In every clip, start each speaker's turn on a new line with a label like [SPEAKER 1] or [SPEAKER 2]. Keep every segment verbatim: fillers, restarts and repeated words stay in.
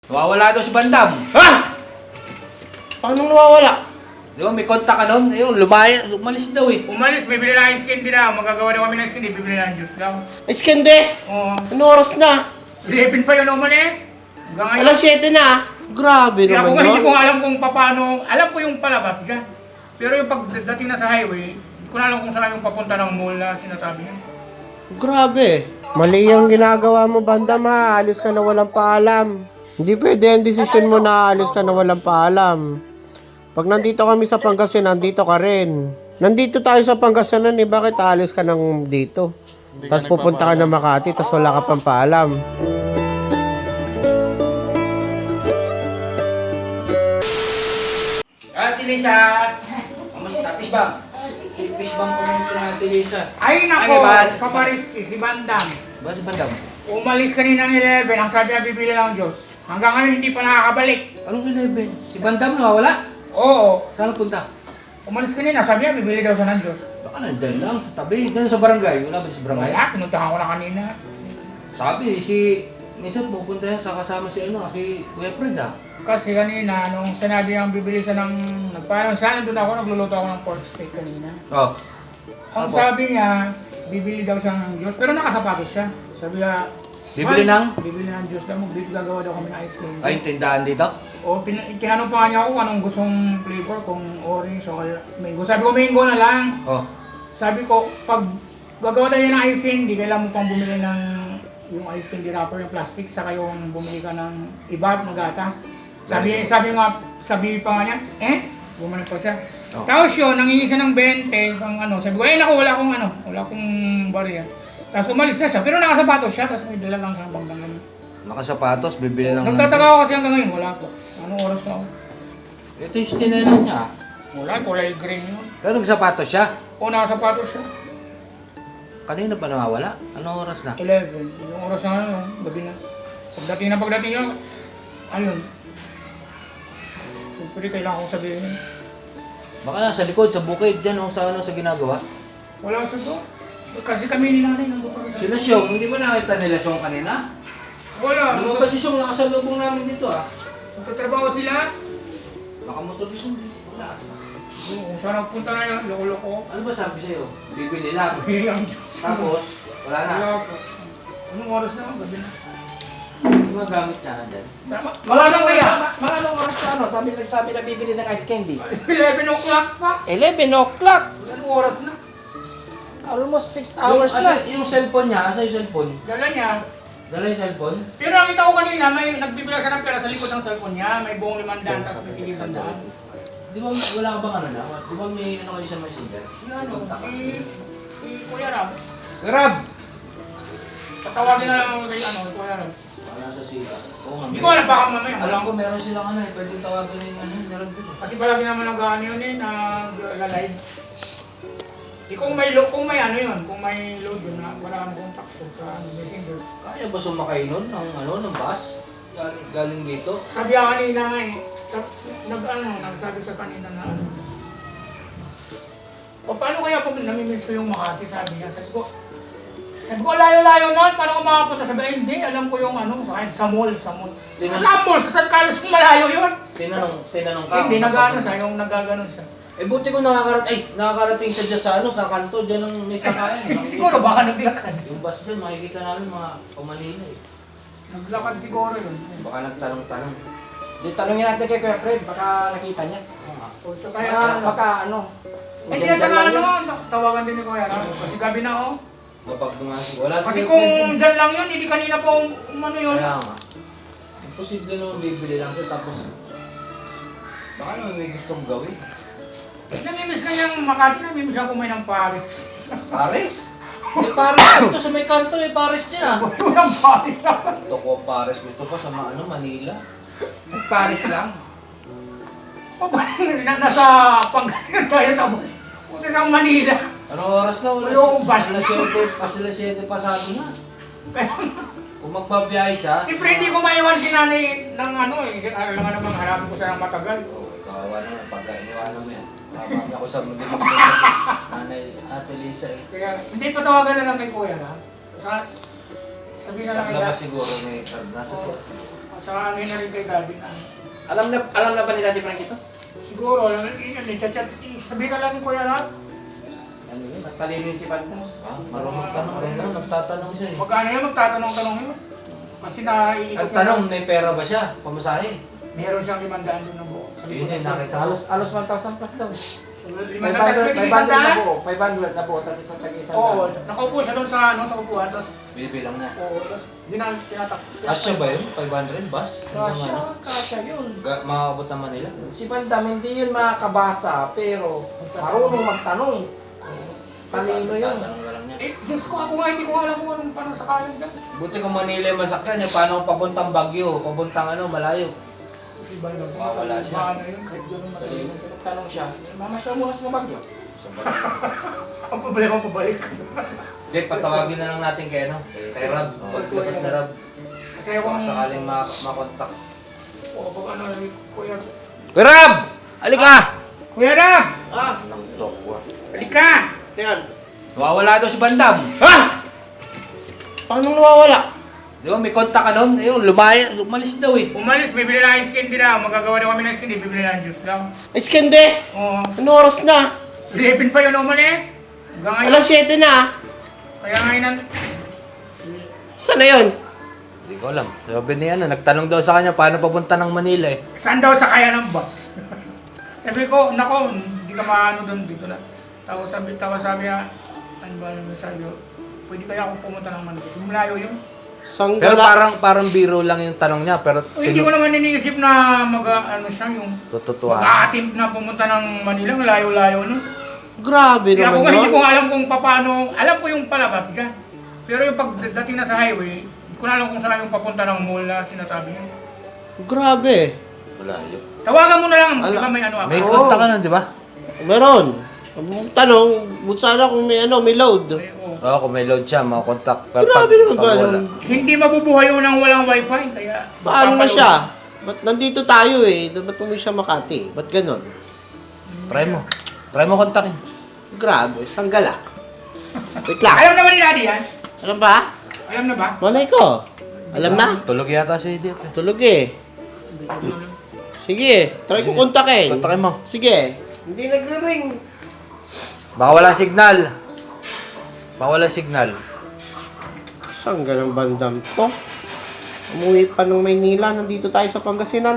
[SPEAKER 1] Nawawala daw si Bandam.
[SPEAKER 2] Ha? Paano nawawala?
[SPEAKER 1] Di ba may kontak ka nun? Ayun, lumaya, umalis daw eh.
[SPEAKER 3] Umalis, bibili lang ng skin din na. Magagawa daw kami ng skin, bibili lang ng juice daw.
[SPEAKER 2] Iskende!
[SPEAKER 3] Oo.
[SPEAKER 2] Ano oras na?
[SPEAKER 3] eleven pa yun umalis. Hanggang ngayon.
[SPEAKER 2] Alas siyete na. Grabe
[SPEAKER 3] Kaya
[SPEAKER 2] naman
[SPEAKER 3] kung hindi
[SPEAKER 2] yun.
[SPEAKER 3] ko nga alam kung paano, alam ko yung palabas dyan. Pero yung pagdating na sa highway, hindi ko na alam kung saan yung papunta ng mall na sinasabi niya.
[SPEAKER 2] Grabe. Mali yung ginagawa mo, Bandam ha. Alis ka na walang paalam. Hindi pwede ang desisyon mo na alis ka na walang paalam. Pag nandito kami sa Pangasinan, nandito ka rin. Nandito tayo sa Pangasinan eh, bakit aalis ka nang dito? Tapos pupunta ka na Makati, tapos wala ka pang paalam.
[SPEAKER 1] Ah, Tilisa! Kamusta? Fishbang? Fishbang po rin na Tilisa.
[SPEAKER 3] Ay nako,
[SPEAKER 1] Ay, Ivan.
[SPEAKER 3] papariski, si Bandam.
[SPEAKER 1] Ba si Bandam?
[SPEAKER 3] Umalis kanina ng eleven, ang sabi niya bibili lang Diyos. Hanggang ngayon hindi pa nakakabalik.
[SPEAKER 1] Anong eleven? Si Bandam nawawala?
[SPEAKER 3] Oo.
[SPEAKER 1] Saan punta?
[SPEAKER 3] Umalis kanina, sabi niya bibili daw siya ng Diyos.
[SPEAKER 1] Baka nandyan lang sa tabi. Dyan sa barangay. Wala ba sa barangay?
[SPEAKER 3] Wala, pinuntahan ko na kanina.
[SPEAKER 1] Sabi, si... Minsan pupunta yan sa kasama si ano, si Kuya Fred ah.
[SPEAKER 3] Kasi kanina, nung sinabi niyang bibili siya ng... Nagparang sana doon ako, nagluluto ako ng pork steak kanina.
[SPEAKER 1] Oh.
[SPEAKER 3] Ang
[SPEAKER 1] Apo.
[SPEAKER 3] sabi niya, bibili daw siya ng Diyos, pero nakasapatos siya. Sabi niya,
[SPEAKER 1] Bibili
[SPEAKER 3] "Mahal,
[SPEAKER 1] ng?"
[SPEAKER 3] Bibili ng Diyos daw, magbibig gagawa daw kami ng ice cream.
[SPEAKER 1] Ay, tindahan dito?
[SPEAKER 3] O, pin- tinanong pa nga niya ako kung anong gustong flavor, kung orange o kaya mango. Sabi ko, mango na lang.
[SPEAKER 1] Oh.
[SPEAKER 3] Sabi ko, pag gagawa tayo ng ice cream, di kailangan mo pang bumili ng yung ice candy wrapper, yung plastic, saka yung bumili ka ng iba at magatas. Sabi, sabi nga, sabi pa nga niya, eh, bumalik pa siya.
[SPEAKER 1] Oh.
[SPEAKER 3] Tapos yun, nangingi siya ng twenty, pang ano, sabi ko, eh naku, wala akong ano, wala akong barya. Tapos umalis na siya, pero nakasapatos siya, tapos may dala lang siya ng banggangan.
[SPEAKER 1] Nakasapatos, bibili lang.
[SPEAKER 3] Nagtataka ako kasi hanggang ngayon, wala po. Anong oras na ako?
[SPEAKER 1] Ito yung tinelas niya.
[SPEAKER 3] Wala, kulay green yun.
[SPEAKER 1] Pero nagsapatos siya.
[SPEAKER 3] O, nakasapatos siya.
[SPEAKER 1] Kanina pa nawawala? Anong oras na?
[SPEAKER 3] eleven. Yung oras na ano, gabi na. Pagdating na pagdating niya, ayun. Siyempre, kailangan kong sabihin.
[SPEAKER 1] Baka nasa likod, sa bukid, dyan o sa ano sa ginagawa.
[SPEAKER 3] Wala siya doon. Kasi kami ni nanay nandun kami sa...
[SPEAKER 1] Sila Syong, hindi ba nakita nila Syong kanina?
[SPEAKER 3] Wala.
[SPEAKER 1] Lumabas si Syong, nakasalubong namin dito ah.
[SPEAKER 3] Magtatrabaho sila.
[SPEAKER 1] Nakamotor si Syong. Wala.
[SPEAKER 3] Oo, kung saan nagpunta na yun, loko-loko.
[SPEAKER 1] Ano ba sabi sa'yo? Bibili lang.
[SPEAKER 3] Bilang.
[SPEAKER 1] Tapos, wala na.
[SPEAKER 3] Wala po. Anong oras na? Gabi na.
[SPEAKER 1] Yung mga gamit niya na dyan.
[SPEAKER 3] Tama. Wala nang kaya.
[SPEAKER 2] Mga anong oras na ano? Sabi nagsabi na bibili ng ice candy.
[SPEAKER 3] eleven o'clock pa.
[SPEAKER 2] eleven o'clock.
[SPEAKER 3] Anong oras na?
[SPEAKER 2] Almost six
[SPEAKER 1] Yung,
[SPEAKER 2] hours na.
[SPEAKER 1] asa, yung cellphone niya, asa yung cellphone?
[SPEAKER 3] Dala niya.
[SPEAKER 1] Dala yung cellphone?
[SPEAKER 3] Pero nakita ko kanina, may nagbibigay siya ng pera sa likod ng cellphone niya. May buong limandaan, tapos may tigibandaan.
[SPEAKER 1] Di ba wala ka bang ano na? Di ba may ano kayo sa messenger?
[SPEAKER 3] Si ano, si... Si Kuya Ram.
[SPEAKER 1] Grab!
[SPEAKER 3] Tatawagin na lang ako kay ano, kay Kuya Ram.
[SPEAKER 1] Wala sa sila. Oo nga.
[SPEAKER 3] Hindi ko alam baka mamaya.
[SPEAKER 1] Alam
[SPEAKER 3] Alam
[SPEAKER 1] ko meron silang ano eh, pwedeng tawagan na yung ano, meron dito.
[SPEAKER 3] Kasi palagi naman nag-ano yun eh, nag-live. Di kung may load, kung may ano yun, kung may load yun, na wala kang contact ko sa ano, messenger.
[SPEAKER 1] Kaya ba sumakay nun ng ano, ng bus? Galing, galing dito?
[SPEAKER 3] Sabi ako kanina nga eh, sa, nag ano, nagsabi sa kanina na ano. O paano kaya pag namimiss ko yung Makati, sabi niya, sabi ko, sabi ko, layo-layo na, paano ko makapunta? Sabi, ay hindi, alam ko yung ano, sa, sa mall, sa mall.
[SPEAKER 1] Tinanong-
[SPEAKER 3] Sa mall, sa San Carlos, kung malayo yun.
[SPEAKER 1] Tinanong, tinanong ka.
[SPEAKER 3] Hindi,
[SPEAKER 1] kung
[SPEAKER 3] nag-ano
[SPEAKER 1] papunta.
[SPEAKER 3] siya, yung nagaganon siya.
[SPEAKER 1] Eh buti ko nakakarating, ay, nakakarating siya dyan sa ano, sa kanto, dyan ang may sakayan. eh.
[SPEAKER 3] Siguro baka naglakad.
[SPEAKER 1] Yung bus dyan, makikita namin mga pamanila eh.
[SPEAKER 3] Naglakad siguro yun.
[SPEAKER 1] Baka nagtanong-tanong.
[SPEAKER 2] Di tanongin natin kay Kuya Fred, baka nakita niya.
[SPEAKER 1] Oo nga.
[SPEAKER 3] O, ito kaya,
[SPEAKER 2] Baka, baka ano.
[SPEAKER 3] hindi na sa ano, tawagan din ni Kuya Ram. Kasi gabi na oh.
[SPEAKER 1] Kapag dumasig, wala
[SPEAKER 3] Kasi
[SPEAKER 1] si
[SPEAKER 3] kung
[SPEAKER 1] Kuya Fred.
[SPEAKER 3] dyan lang yun, hindi kanina pa um, umano yun.
[SPEAKER 1] Kaya nga. Imposible naman bibili lang siya tapos baka naman may gustong gawin.
[SPEAKER 3] Namimiss na niyang Makati, namimiss ang kumain ng Paris.
[SPEAKER 1] Paris? May Paris dito sa may kanto, may Paris dyan ah.
[SPEAKER 3] Walang Paris ah.
[SPEAKER 1] Gusto ko Paris, gusto ko sa ma- ano, Manila.
[SPEAKER 3] Paris lang. Na, nasa Pangasinan tayo tapos punta sa Manila.
[SPEAKER 1] Anong oras na? Oras?
[SPEAKER 3] Ayoko ba?
[SPEAKER 1] Alas siyete, alas siyete pasado na.
[SPEAKER 3] Kaya,
[SPEAKER 1] Kung magbabiyahe siya,
[SPEAKER 3] siyempre hindi ko maiwan si nanay ng ano eh. Alam nga namang hanapin ko siya ng matagal.
[SPEAKER 1] kawawa naman, pagka iniwanan mo yan. Tama ako sa mga kasi nanay Ate Lisa eh.
[SPEAKER 3] Kaya hindi patawagan na lang kay Kuya na. Sa, sabihin na lang
[SPEAKER 1] Sa labas
[SPEAKER 3] kaya.
[SPEAKER 1] siguro may card nasa siya.
[SPEAKER 3] sa amin na rin kay Gabi na.
[SPEAKER 1] Alam na, alam na ba ni Daddy Frank ito?
[SPEAKER 3] Siguro, alam mo, yun, yun, chat-chat, sabihin ka lang ni Kuya Rat.
[SPEAKER 1] Ano yun? Nagtalino yung si Panda. Ah, marunong tanong rin lang. Nagtatanong siya eh.
[SPEAKER 3] Magkano yun, magtatanong-tanong yun. Kasi naiikot
[SPEAKER 1] Ang tanong, may pera ba siya? Pamasahe.
[SPEAKER 3] Meron siyang limandaan doon na buo.
[SPEAKER 1] Yun yun, nakita. Alos, alos one thousand plus daw.
[SPEAKER 3] Limandaan, tapos may
[SPEAKER 1] five hundred na
[SPEAKER 3] isang
[SPEAKER 1] po. five hundred na po. Tapos isang tag-isang
[SPEAKER 3] Oo,
[SPEAKER 1] daan.
[SPEAKER 3] nakaupo siya doon sa, ano, sa upuan, tapos,
[SPEAKER 1] Bibilang na.
[SPEAKER 3] oo, tapos, yun ang tinatak.
[SPEAKER 1] Kasya ba yun? five hundred bus?
[SPEAKER 3] Kasya, kasya yun.
[SPEAKER 1] Ga- Makakabot naman nila. Si Bandam, hindi yun makakabasa, pero marunong magtanong. Talino yun. Tanong na lang niya.
[SPEAKER 3] Eh, Diyos ko, ako nga, hindi ko alam kung anong parang sakalan dyan.
[SPEAKER 1] Buti kung Manila yung masakyan, eh, paano papuntang Baguio, papuntang ano, malayo.
[SPEAKER 3] Kasi ba yun,
[SPEAKER 1] Mawawala siya.
[SPEAKER 3] Paano yun, kahit gano'n
[SPEAKER 1] Talino.
[SPEAKER 3] matalino.
[SPEAKER 1] Tanong siya, mamasya mo na sa Baguio.
[SPEAKER 3] Ang problema, pabalik.
[SPEAKER 1] Hindi, patawagin na lang natin kay ano, kay Rab. Paglabas na Rab.
[SPEAKER 3] Kasi ako,
[SPEAKER 1] Baka sakaling mak- makontak.
[SPEAKER 3] oo, pag ano, Kuya,
[SPEAKER 1] Kuya Rab! Halika!
[SPEAKER 3] Kuya Rab!
[SPEAKER 2] Ah,
[SPEAKER 3] Halika!
[SPEAKER 2] yan.
[SPEAKER 1] Nawawala daw si Bandam.
[SPEAKER 2] Ha? Paano nawawala?
[SPEAKER 1] Di ba, may kontak ka nun? Ayun, lumaya, lumalis daw eh.
[SPEAKER 3] Umalis, bibili lang ice candy daw. Magagawa daw kami ng ice candy, bibili lang juice daw.
[SPEAKER 2] Iskende!
[SPEAKER 3] Oo.
[SPEAKER 2] Ano oras na?
[SPEAKER 3] eleven pa yun umalis. Hanggang ngayon.
[SPEAKER 2] Alas siyete na.
[SPEAKER 3] Kaya ngayon, ang-
[SPEAKER 2] Saan na yun?
[SPEAKER 1] Hindi ko alam. Sabi niya ano, nagtanong daw sa kanya paano papunta ng Manila eh.
[SPEAKER 3] saan daw sa kaya ng bus? Sabi ko, nako, hindi ka maano doon dito na. Tapos sabi, tapos sabi niya, ano ba naman sabi ko, pwede kaya akong pumunta ng Manila. Sumulayo yun.
[SPEAKER 1] Pero
[SPEAKER 2] Sanggala.
[SPEAKER 1] parang parang biro lang yung tanong niya, pero
[SPEAKER 3] O, hindi ko naman iniisip na mag, ano siya, yung
[SPEAKER 1] tututuan.
[SPEAKER 3] mag-a-attempt na pumunta ng Manila, layo-layo no.
[SPEAKER 2] Grabe
[SPEAKER 3] Kaya ako
[SPEAKER 2] naman
[SPEAKER 3] nga hindi
[SPEAKER 2] yun.
[SPEAKER 3] ko alam kung paano, alam ko yung palabas dyan. Pero yung pagdating na sa highway, hindi ko na alam kung saan yung papunta ng mall na sinasabi niya.
[SPEAKER 2] Grabe.
[SPEAKER 1] Wala yun.
[SPEAKER 3] Tawagan mo na lang, di
[SPEAKER 2] Ala-
[SPEAKER 3] ba may ano ako?
[SPEAKER 1] May
[SPEAKER 2] Oo.
[SPEAKER 1] kontak ka nun, di ba?
[SPEAKER 2] Meron. Ang tanong, but sana kung may ano, may load.
[SPEAKER 3] May- oo.
[SPEAKER 1] Oo, kung may load siya, mga kontak. Pero
[SPEAKER 2] Grabe naman ba?
[SPEAKER 1] wala.
[SPEAKER 3] Hindi mabubuhay yun ng walang wifi, kaya...
[SPEAKER 2] Paano na
[SPEAKER 3] papaload.
[SPEAKER 2] siya? Ba't nandito tayo eh? Ba't umuwi siya Makati? Ba't ganon?
[SPEAKER 1] Try mo. Try mo kontakin.
[SPEAKER 2] Grabe, sanggala. Wait lang.
[SPEAKER 3] Alam naman ni Daddy yan?
[SPEAKER 2] Alam ba?
[SPEAKER 3] Alam na ba?
[SPEAKER 2] Malay ko. Alam na?
[SPEAKER 1] Tulog yata si Deep. eh.
[SPEAKER 2] Tulog eh. Sige, try ko kontakin.
[SPEAKER 1] Kontakin mo.
[SPEAKER 2] Sige. Hindi nagre-ring.
[SPEAKER 1] Baka wala signal. Baka wala signal.
[SPEAKER 2] Saan ganang bandam to? Umuwi pa ng Maynila, nandito tayo sa Pangasinan.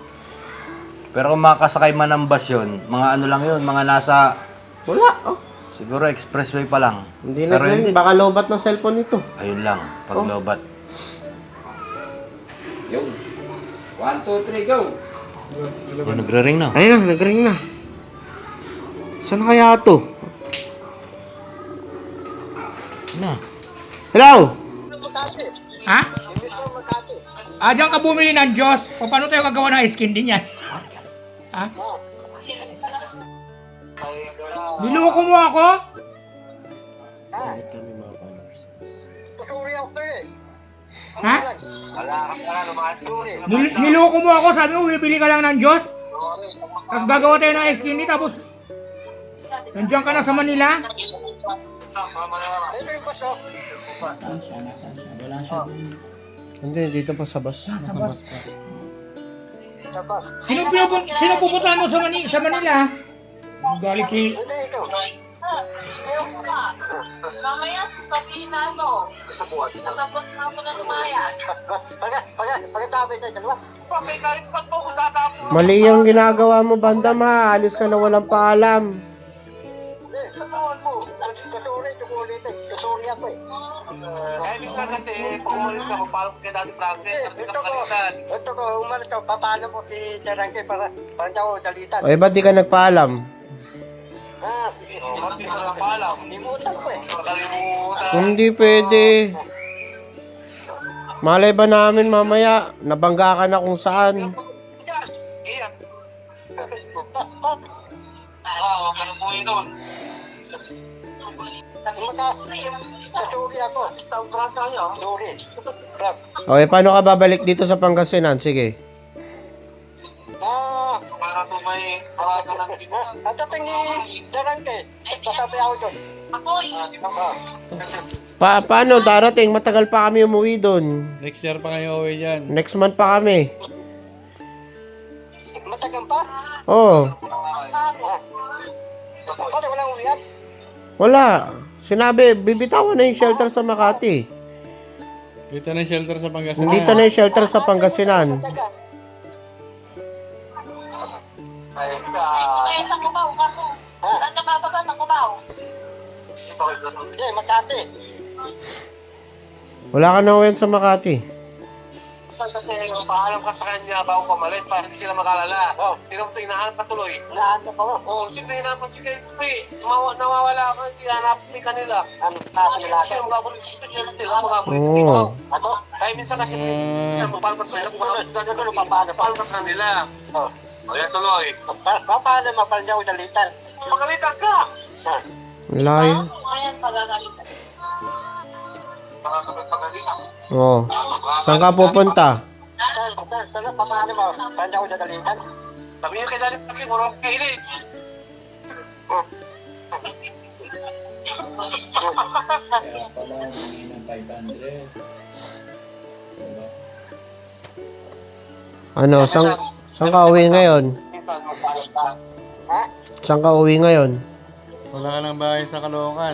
[SPEAKER 1] Pero kung makakasakay man ng bus yun, mga ano lang yun, mga nasa,
[SPEAKER 2] Wala. Oh.
[SPEAKER 1] siguro expressway pa lang.
[SPEAKER 2] Hindi
[SPEAKER 1] Pero
[SPEAKER 2] nagre-ring.
[SPEAKER 1] hindi-
[SPEAKER 2] Baka lobat ng cellphone nito.
[SPEAKER 1] Ayun lang, pag
[SPEAKER 2] Oh.
[SPEAKER 1] lobat. Yung. One, two, three, go! Oh, nagre-ring na.
[SPEAKER 2] Ayun na, nag-ring na. Saan kaya to?
[SPEAKER 1] Na.
[SPEAKER 2] Hello?
[SPEAKER 3] Ha? Ah, diyan ka bumili ng Diyos. O paano tayo gagawa ng ice candy niyan? Ha? Niloko mo ako?
[SPEAKER 2] Galit kami mga followers.
[SPEAKER 3] Ha? Nil niloko mo ako, sabi mo, bibili ka lang ng Diyos? Tapos gagawa tayo ng ice candy, tapos nandiyan ka na sa Manila?
[SPEAKER 2] Hindi, dito pa sa bus.
[SPEAKER 3] Nasa bus. Sino pinupun sino pupuntahan mo sa, Mani sa Manila? Galit si...
[SPEAKER 4] Mamaya sasabihin na ano, natapos na ako na lumayan. May galit pa po kung tatapos.
[SPEAKER 2] Mali yung ginagawa mo, bandam ha. Alis ka na walang paalam.
[SPEAKER 4] Kaya minsan kasi, pag umalis ka, magpaalam ka dati Francis, kasi ka nakalimutan.
[SPEAKER 5] Ito ko, umalis ko, papalo mo si Tarangke para para daw dalitan.
[SPEAKER 2] O, eh, ba't di ka nagpaalam?
[SPEAKER 5] Ah,
[SPEAKER 4] Oh, hindi ko na paalam.
[SPEAKER 5] limutan ko eh.
[SPEAKER 4] Nakalimutan.
[SPEAKER 2] Hindi pwede. Malay ba namin mamaya, nabangga ka na kung saan.
[SPEAKER 4] Iyan. Ah, wag ka na po yun doon.
[SPEAKER 5] Kumaka, kasuri ako.
[SPEAKER 4] Tawag ka niya.
[SPEAKER 5] Sorry. Rap.
[SPEAKER 2] O, eh, paano ka babalik dito sa Pangasinan? Sige.
[SPEAKER 5] Ah,
[SPEAKER 4] Para po may paraga ng
[SPEAKER 5] at ating ni Tarangke, sasabi ako doon.
[SPEAKER 2] Pa paano darating? Matagal pa kami umuwi doon.
[SPEAKER 6] Next year pa kayo uwi dyan.
[SPEAKER 2] Next month pa kami.
[SPEAKER 5] Matagal pa?
[SPEAKER 2] Oo.
[SPEAKER 5] Bakit walang uwian?
[SPEAKER 2] Wala. Sinabi, bibitawan na yung shelter sa Makati.
[SPEAKER 6] Dito na yung shelter sa Pangasinan.
[SPEAKER 2] Dito na yung shelter sa Pangasinan.
[SPEAKER 4] Ay,
[SPEAKER 7] Kaya sa kubaw ka mo. Saan ka bababa sa kubaw?
[SPEAKER 5] Hindi, Makati.
[SPEAKER 2] Wala ka na uwi sa Makati.
[SPEAKER 4] kasi paalam ka sa kanya bago pamalis para hindi sila makalala. Oh, sino mo hinahanap ka tuloy?
[SPEAKER 5] Nahanap ako.
[SPEAKER 4] Oh, siyempre hinahanap si Kay Tupi. Mawa, nawawala ako, hindi hanap ni kanila.
[SPEAKER 5] Ano, nasa nila
[SPEAKER 4] Sila
[SPEAKER 5] ako.
[SPEAKER 4] magabulit dito, sila sila magabulit
[SPEAKER 2] Oo.
[SPEAKER 4] dito.
[SPEAKER 5] Ako?
[SPEAKER 4] Kaya minsan kasi,
[SPEAKER 6] Ah.
[SPEAKER 4] paano pa sa kanila, paano paano paano pa sa kanila.
[SPEAKER 5] Oh.
[SPEAKER 4] O yan tuloy.
[SPEAKER 5] Pa- pa- Paano mapalya ko dalitan?
[SPEAKER 4] Pagalitan ka!
[SPEAKER 5] Ah,
[SPEAKER 2] Layo.
[SPEAKER 7] Ayan, pagagalitan.
[SPEAKER 4] Pagalitan.
[SPEAKER 2] Oo. Saan ka pupunta?
[SPEAKER 5] saan- saan- saan- Paano mo? Palya ko dalitan?
[SPEAKER 4] Sabi niyo kay Dalit Paki, murong kainit.
[SPEAKER 2] Ano, saan, saan ka uwi ngayon?
[SPEAKER 4] Minsan, magpalit ka.
[SPEAKER 5] Ha?
[SPEAKER 2] Saan ka uwi ngayon?
[SPEAKER 6] Wala ka ng bahay sa Caloocan.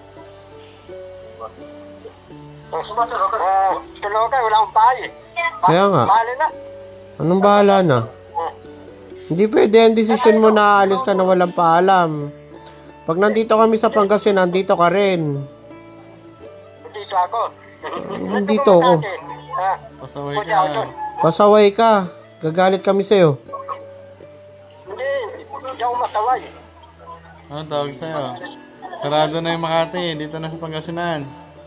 [SPEAKER 5] Ah, Tulokan, wala akong bahay.
[SPEAKER 2] Kaya nga.
[SPEAKER 5] Mahalo na.
[SPEAKER 2] Anong bahala na? Hindi pwede ang desisyon mo na aalis ka na walang paalam. Pag nandito kami sa Pangasinan, nandito ka rin.
[SPEAKER 5] Dito ako.
[SPEAKER 2] Nandito ako.
[SPEAKER 5] Ha?
[SPEAKER 6] Pasaway
[SPEAKER 5] Pwede ako doon.
[SPEAKER 6] ka.
[SPEAKER 2] Pasaway ka. Gagalit kami sa'yo.
[SPEAKER 5] Hindi, hindi ako masaway.
[SPEAKER 6] Ano tawag sa'yo? Sarado na yung Makati. Dito na sa Pangasinan.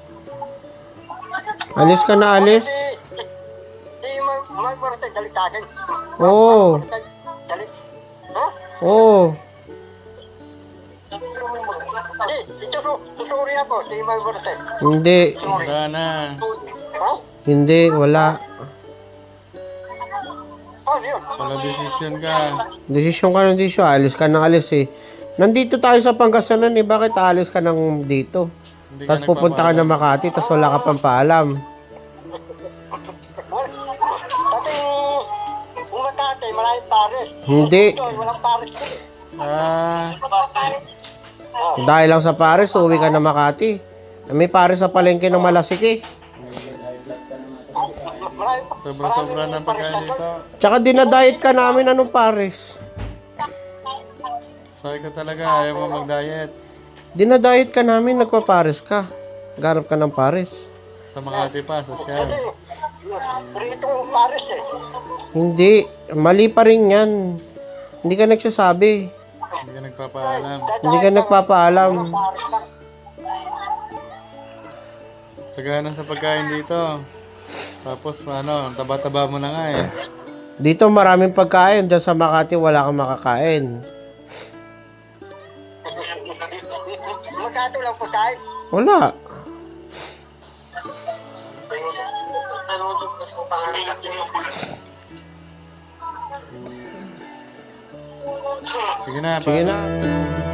[SPEAKER 2] Alis ka na alis.
[SPEAKER 5] Hindi, hindi mag- mag-marasay, galit sa akin.
[SPEAKER 2] Oo.
[SPEAKER 5] Marasay, galit. Ha?
[SPEAKER 2] Oo.
[SPEAKER 5] Hindi, ito su- susuri ako, hindi mag-marasay.
[SPEAKER 2] Hindi.
[SPEAKER 6] Wala na.
[SPEAKER 5] Ha?
[SPEAKER 2] Hindi. Wala.
[SPEAKER 5] Oh, yun.
[SPEAKER 6] Pala desisyon ka.
[SPEAKER 2] Desisyon ka ng desisyon. Alis ka na alis eh. Nandito tayo sa Pangasinan eh. Bakit aalis ka ng dito?
[SPEAKER 6] Hindi ka
[SPEAKER 2] Tapos pupunta ka
[SPEAKER 6] nagpapaalam.
[SPEAKER 2] na Makati. Tapos wala ka pang paalam.
[SPEAKER 5] Pati, kung Makati, maraming pares.
[SPEAKER 2] Hindi.
[SPEAKER 5] Ito, walang pares.
[SPEAKER 6] Ah,
[SPEAKER 2] Dahil lang sa Paris, uwi ka na Makati. May Paris sa palengke ng Malasik eh.
[SPEAKER 5] Maraming
[SPEAKER 6] sobra-sobra ng pagkain dito.
[SPEAKER 2] Tsaka dinadayet ka namin anong Paris.
[SPEAKER 6] Sabi ko talaga, ayaw mo mag-diet.
[SPEAKER 2] Dinadayet ka namin, nagpa-Paris ka. Ganap ka ng Paris.
[SPEAKER 6] Sa Makati pa, sosyal.
[SPEAKER 5] Kasi, rito yung pares eh.
[SPEAKER 2] Hindi. Mali pa rin yan. Hindi ka nagsasabi.
[SPEAKER 6] Hindi ka nagpapaalam.
[SPEAKER 2] Hindi ka nagpapaalam.
[SPEAKER 5] Pares lang.
[SPEAKER 6] Sagana sa pagkain dito. Tapos ano, taba-taba mo na nga eh.
[SPEAKER 2] Dito maraming pagkain. Diyan sa Makati wala kang makakain.
[SPEAKER 5] Magkano lang pagkain?
[SPEAKER 2] Wala.
[SPEAKER 6] Sige na,
[SPEAKER 2] Sige
[SPEAKER 6] pa-
[SPEAKER 2] na.